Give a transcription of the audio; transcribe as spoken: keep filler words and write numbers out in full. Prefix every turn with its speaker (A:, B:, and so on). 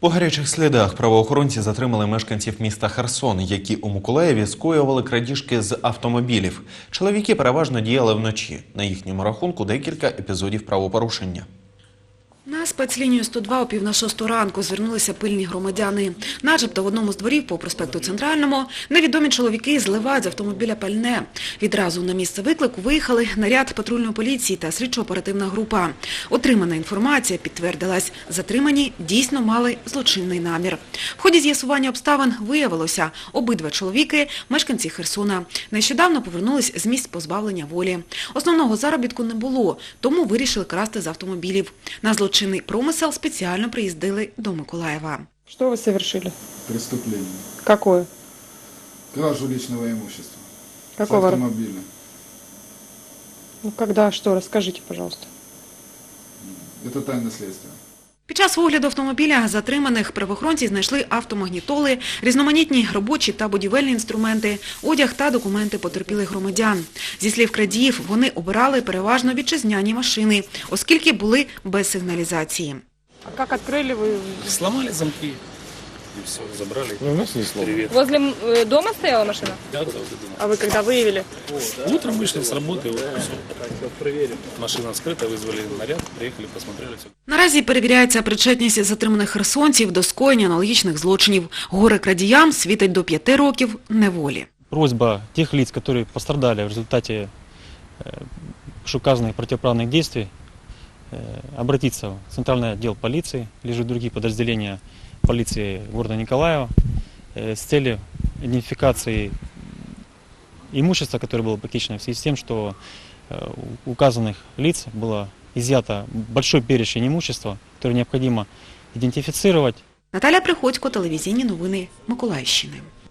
A: По гарячих слідах правоохоронці затримали мешканців міста Херсон, які у Миколаєві скоювали крадіжки з автомобілів. Чоловіки переважно діяли вночі. На їхньому рахунку декілька епізодів правопорушення.
B: На спецлінію сто два о пів на шосту ранку звернулися пильні громадяни. Начебто в одному з дворів по проспекту Центральному невідомі чоловіки зливають з автомобіля пальне. Відразу на місце виклику виїхали наряд патрульної поліції та слідчо-оперативна група. Отримана інформація підтвердилась. Затримані дійсно мали злочинний намір. В ході з'ясування обставин виявилося, обидва чоловіки – мешканці Херсона. Нещодавно повернулись з місць позбавлення волі. Основного заробітку не було, тому вирішили красти з автомобілів. На злочинний промисел спеціально приїздили до Миколаєва.
C: Что вы совершили?
D: Преступление.
C: Какое?
D: Кражу личного имущества.
C: Какого?
D: С автомобиля.
C: Ну, когда, что? Расскажите, пожалуйста.
D: Это тайна следствия.
B: Під час огляду автомобіля затриманих правоохоронці знайшли автомагнітоли, різноманітні робочі та будівельні інструменти, одяг та документи потерпілих громадян. Зі слів крадіїв, вони обирали переважно вітчизняні машини, оскільки були без сигналізації.
C: А как открыли вы?
E: Сломали замки и все, забрали.
F: Ну, у нас не сломано.
E: Привет.
G: Возле э, дома стояла машина?
E: Да, да, вот это.
C: А вы когда выявили?
E: Утром вышли с работы, вот, все. Машина вскрыта, вызвали наряд, приехали, посмотрели все.
B: Наразі перевіряється причетність затриманих херсонців до скоєння аналогічних злочинів. Горе-крадіям світить до п'яти років неволі.
F: Просьба тех лиц, которые пострадали в результате указанных противоправных действий, обратиться в Центральный отдел полиции, или же другие подразделения полиции города Николаева с целью идентификации имущества, которое было похищено, в связи с тем, что у указанных лиц было изъято большой перечень имущества, которое необходимо идентифицировать.
B: Наталя Приходько, телевізійні новини Миколаївщини.